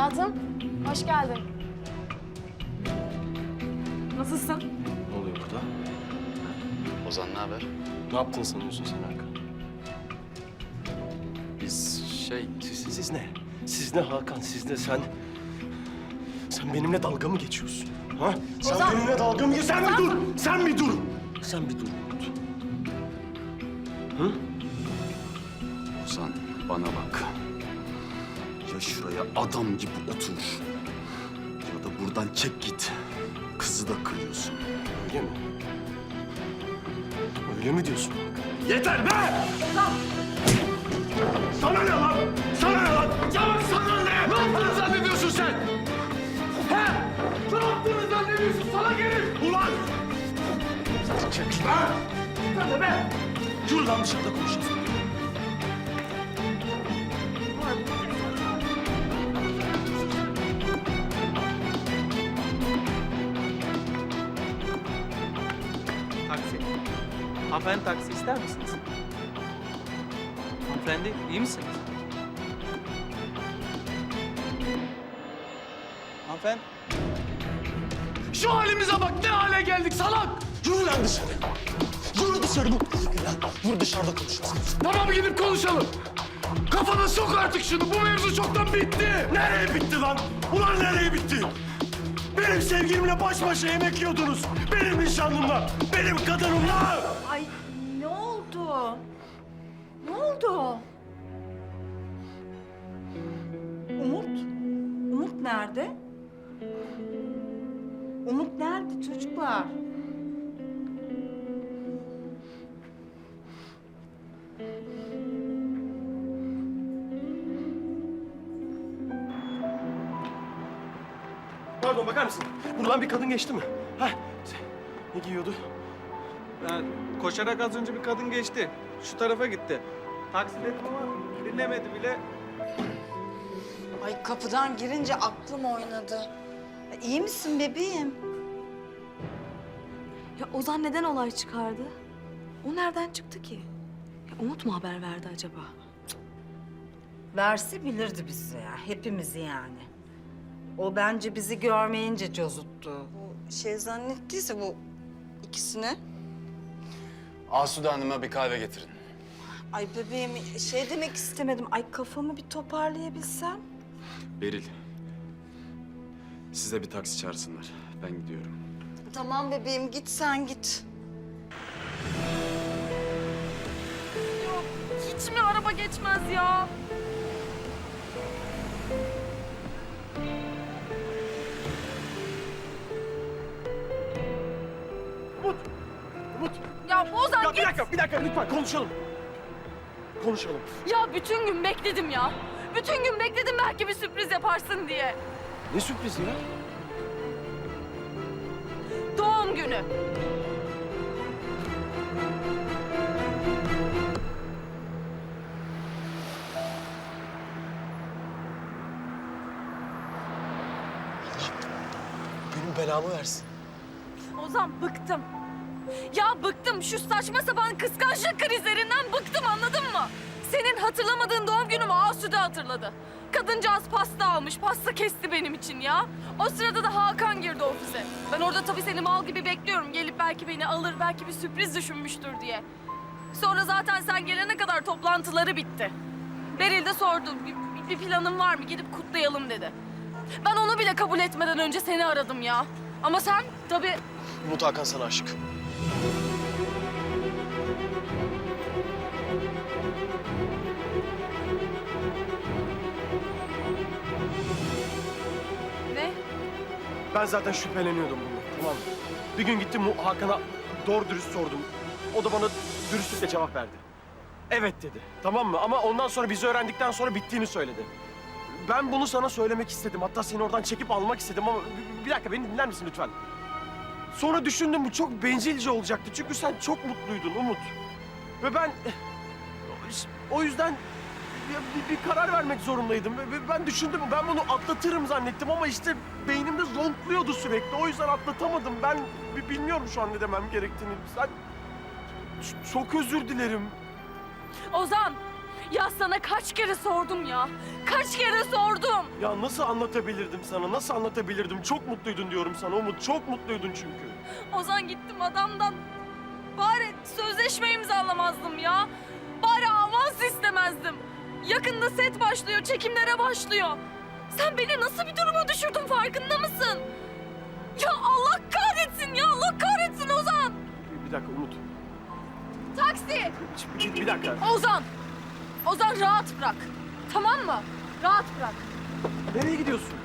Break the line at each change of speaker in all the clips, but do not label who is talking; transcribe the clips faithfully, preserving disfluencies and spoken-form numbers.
Hayatım, hoş geldin. Nasılsın?
Ne oluyor burada?
Ozan ne haber?
Ne yaptın sanıyorsun sen Hakan?
Biz şey...
Siz, siz ne? Siz ne Hakan? Siz ne? Sen... Sen benimle dalga mı geçiyorsun? Ha? Sen
Ozan!
benimle dalga mı geçiyorsun? Sen bir dur! Sen bir dur! Sen bir dur Umut. Hı?
Ozan bana bak. Ya şuraya adam gibi otur. Ya da buradan çek git. Kızı da kırıyorsun.
Öyle mi? Öyle mi diyorsun Hakan? Yeter be! Sana ne lan? Sana ne lan? Sana, sana ne? Ne yaptığını zannediyorsun sen? He? Ne yaptığını zannediyorsun? Sana herif! Ulan! Çek. Ha? Sen de be! Yürü lan dışarıda konuşacağız.
Taksi. Hanımefendi taksi ister misiniz? Hanımefendi iyi misiniz? Hanımefendi.
Şu halimize bak, ne hale geldik salak! Yürü lan dışarı. Yürü dışarı. Yürü lan. Yürü dışarıda konuşalım. Tamam gidip konuşalım. Kafana sok artık şunu. Bu mevzu çoktan bitti. Nereye bitti lan? Ulan nereye bitti? Benim sevgilimle baş başa yemek yiyordunuz. Benim nişanlımla, benim kadınımla.
Ay ne oldu? Ne oldu? Umut? Umut nerede? Umut nerede çocuklar?
Pardon bakar mısın? Buradan bir kadın geçti mi? Ha? Ne giyiyordu?
Ben koşarak az önce bir kadın geçti. Şu tarafa gitti. Taksi dedim ama dinlemedi bile.
Ay kapıdan girince aklım oynadı. İyi misin bebeğim?
Ya Ozan neden olay çıkardı? O nereden çıktı ki? Ya Umut mu haber verdi acaba?
Verse bilirdi bizi ya, hepimizi yani. O bence bizi görmeyince cozuttu. Bu şey zannettiyse bu ikisini.
Asude Hanım'a bir kahve getirin.
Ay bebeğim şey demek istemedim. Ay kafamı bir toparlayabilsem.
Beril. Size bir taksi çağırsınlar. Ben gidiyorum.
Tamam bebeğim git sen git.
Hiç mi araba geçmez ya?
Umut! Umut!
Ya Ozan
Ya bir
git.
dakika, bir dakika lütfen konuşalım. Konuşalım.
Ya bütün gün bekledim ya. Bütün gün bekledim belki bir sürpriz yaparsın diye.
Ne sürprizi ya?
Doğum günü.
Benim belamı versin.
Ozan bıktım. Ya bıktım şu saçma sapan kıskançlık krizlerinden bıktım anladın mı? Senin hatırlamadığın doğum günümü Asude hatırladı. Kadıncağız pasta almış, pasta kesti benim için ya. O sırada da Hakan girdi ofise. Ben orada tabii seni mal gibi bekliyorum. Gelip belki beni alır, belki bir sürpriz düşünmüştür diye. Sonra zaten sen gelene kadar toplantıları bitti. Beril de sordu, bir, bir planın var mı? Gidip kutlayalım dedi. Ben onu bile kabul etmeden önce seni aradım ya. Ama sen tabii...
Umut Hakan sana aşık.
Ne?
Ben zaten şüpheleniyordum bundan, tamam mı? Bir gün gittim Mu- Hakan'a doğru dürüst sordum. O da bana dürüstlükle cevap verdi. Evet dedi, tamam mı? Ama ondan sonra bizi öğrendikten sonra bittiğini söyledi. Ben bunu sana söylemek istedim. Hatta seni oradan çekip almak istedim ama... Bir, bir dakika, beni dinler misin lütfen? Sonra düşündüm, bu çok bencilce olacaktı. Çünkü sen çok mutluydun Umut. Ve ben... O yüzden bir, bir karar vermek zorundaydım. Ve ben düşündüm, ben bunu atlatırım zannettim ama işte beynimde zonkluyordu sürekli. O yüzden atlatamadım. Ben bi- bilmiyorum şu an ne demem gerektiğini. Sen... Ç- Çok özür dilerim.
Ozan, Ya sana kaç kere sordum ya. Kaç kere sordum.
Ya nasıl anlatabilirdim sana? Nasıl anlatabilirdim? Çok mutluydun diyorum sana Umut. Çok mutluydun çünkü.
Ozan gittim adamdan. Bari sözleşme imzalamazdım ya. Bari avans istemezdim. Yakında set başlıyor, çekimlere başlıyor. Sen beni nasıl bir duruma düşürdün farkında mısın? Ya Allah kahretsin ya, Allah kahretsin Ozan.
Bir, bir dakika Umut.
Taksi!
Bir, bir dakika.
Ozan! Ozan rahat bırak. Tamam mı? Rahat bırak.
Nereye gidiyorsun?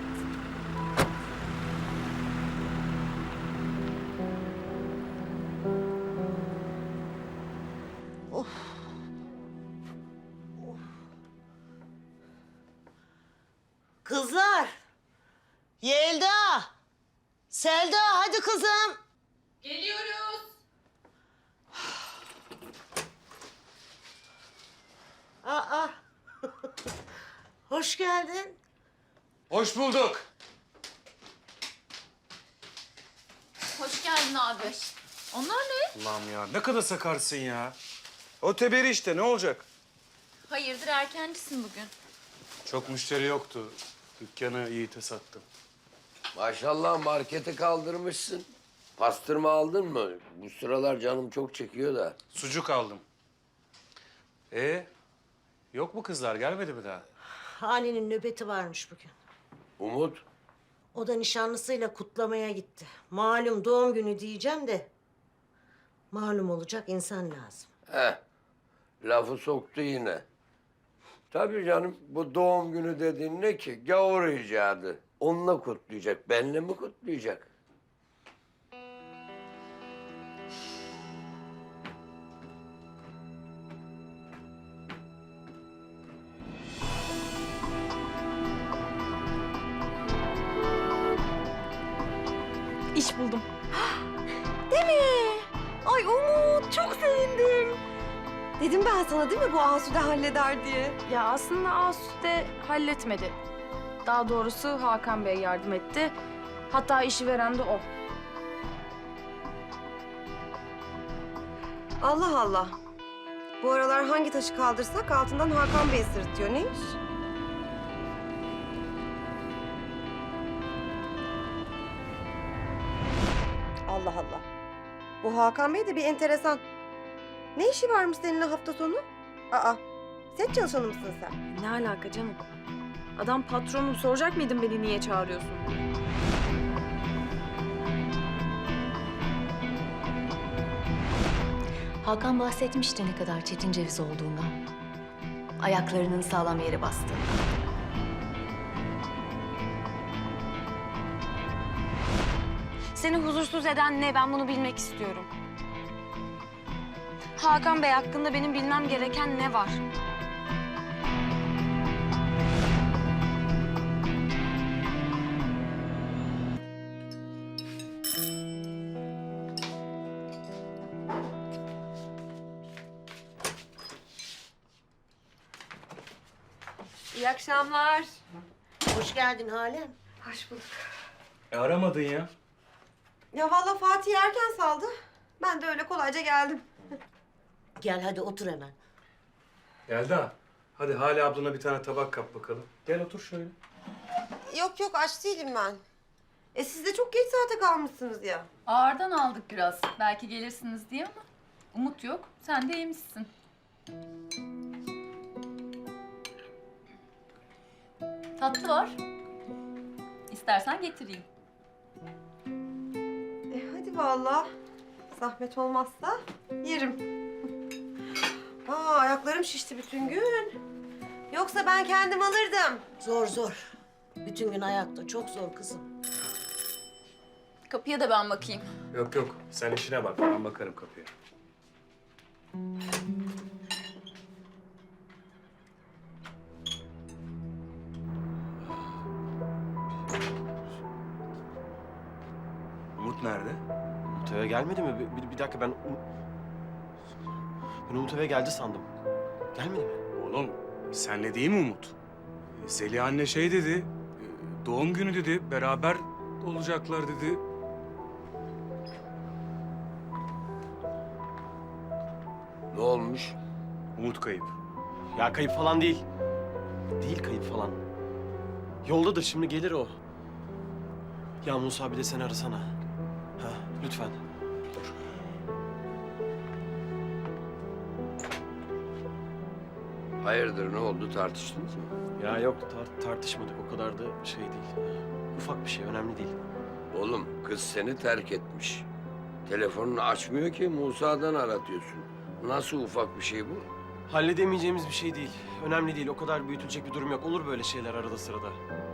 Kızlar. Yelda. Selda hadi kızım.
Geliyoruz.
Aa. Hoş geldin.
Hoş bulduk.
Hoş geldin abi. Onlar ne?
Allah'ım ya ne kadar sakarsın ya. O teberi işte ne olacak?
Hayırdır erkencisin bugün.
Çok müşteri yoktu. Dükkanı Yiğit'e sattım.
Maşallah markete kaldırmışsın. Pastırma aldın mı? Bu sıralar canım çok çekiyor da.
Sucuk aldım. E yok mu kızlar gelmedi mi daha?
Hani'nin nöbeti varmış bugün.
Umut,
O da nişanlısıyla kutlamaya gitti. Malum doğum günü diyeceğim de... Malum olacak insan lazım.
heh, lafı soktu yine. Tabii canım, bu doğum günü dediğin ne ki? Gavur icadı. Onunla kutlayacak, benle mi kutlayacak?
İş buldum.
Değil mi? Ay Umut çok sevindim. Dedim ben sana değil mi bu Asude halleder diye.
Ya aslında Asude halletmedi. Daha doğrusu Hakan Bey yardım etti. Hatta işi veren de o.
Allah Allah. Bu aralar hangi taşı kaldırsak altından Hakan Bey sırıtıyor. Neymiş? Allah Allah. Bu Hakan Bey de bir enteresan. Ne işi varmış seninle hafta sonu? Aa, set çalışanı mısın sen?
Ne alaka canım? Adam patronum, soracak mıydın beni niye çağırıyorsun?
Hakan bahsetmişti ne kadar çetin ceviz olduğundan. Ayaklarının sağlam yere bastığından.
Seni huzursuz eden ne? Ben bunu bilmek istiyorum. Hakan Bey hakkında benim bilmem gereken ne var?
İyi akşamlar.
Hoş geldin Halem.
Hoş bulduk.
E aramadın ya.
Ya vallahi Fatih erken saldı. Ben de öyle kolayca geldim.
Gel hadi otur hemen.
Yelda hadi Hale ablana bir tane tabak kap bakalım. Gel otur şöyle.
Yok yok aç değilim ben. E siz de çok geç saate kalmışsınız ya.
Ağırdan aldık biraz. Belki gelirsiniz diye ama Umut yok. Sen de yemişsin. Tatlı var. İstersen getireyim.
E hadi vallahi. Zahmet olmazsa yerim. Aa ayaklarım şişti bütün gün. Yoksa ben kendim alırdım.
Zor zor. Bütün gün ayakta çok zor kızım.
Kapıya da ben bakayım.
Yok yok sen işine bak ben bakarım kapıya. Umut nerede?
Umut eve gelmedi mi? Bir, bir, bir dakika ben... Um- Ben Umut eve geldi sandım. Gelmedi mi?
Oğlum senle değil mi Umut? E, Zeliha anne şey dedi, e, doğum günü dedi, beraber olacaklar dedi.
Ne olmuş?
Umut kayıp.
Ya kayıp falan değil. Değil kayıp falan. Yoldadır, şimdi gelir o. Ya Musa, bir de sen arasana. Ha, lütfen.
Hayırdır, ne oldu, tartıştınız mı?
Ya yok, tar- tartışmadık. O kadar da şey değil. Ufak bir şey, önemli değil.
Oğlum, kız seni terk etmiş. Telefonunu açmıyor ki, Musa'dan aratıyorsun. Nasıl ufak bir şey bu?
Halledemeyeceğimiz bir şey değil. Önemli değil. O kadar büyütülecek bir durum yok. Olur böyle şeyler arada sırada.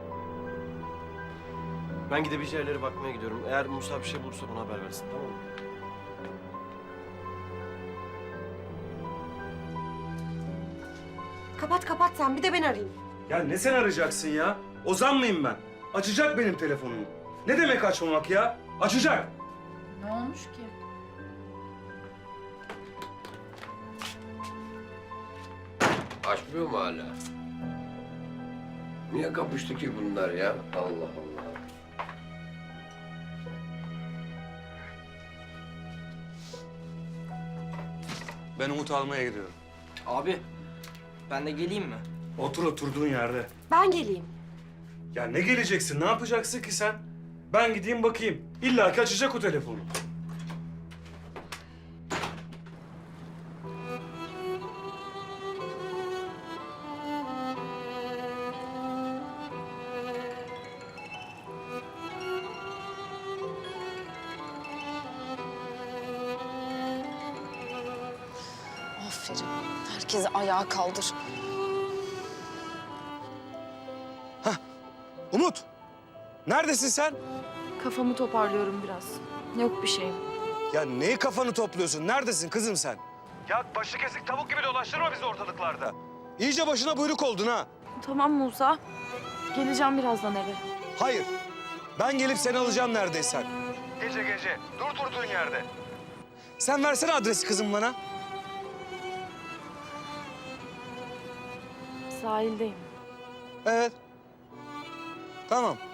Ben gidebileceği yerlere bakmaya gidiyorum. Eğer Musa bir şey bulursa bana haber versin, tamam mı?
Kapat kapat sen, bir de ben arayayım.
Ya ne sen arayacaksın ya? Ozan mıyım ben? Açacak benim telefonumu. Ne demek açmamak ya? Açacak.
Ne olmuş ki?
Açmıyor mu hala? Niye kapıştı ki bunlar ya? Allah Allah.
Ben Umut almaya gidiyorum.
Abi, ben de geleyim mi?
Otur oturduğun yerde.
Ben geleyim.
Ya ne geleceksin? Ne yapacaksın ki sen? Ben gideyim bakayım. İlla ki açacak o telefonu.
Aferin. Herkesi ayağa kaldır.
Umut! Neredesin sen?
Kafamı toparlıyorum biraz. Yok bir şeyim.
Ya neyi kafanı topluyorsun? Neredesin kızım sen? Ya başı kesik tavuk gibi dolaştırma bizi ortalıklarda. İyice başına buyruk oldun ha.
Tamam Musa. Geleceğim birazdan eve.
Hayır. Ben gelip seni alacağım neredeysen. Gece gece. Dur durduğun yerde. Sen versene adresi kızım bana.
Sahildeyim.
Evet. Tamam.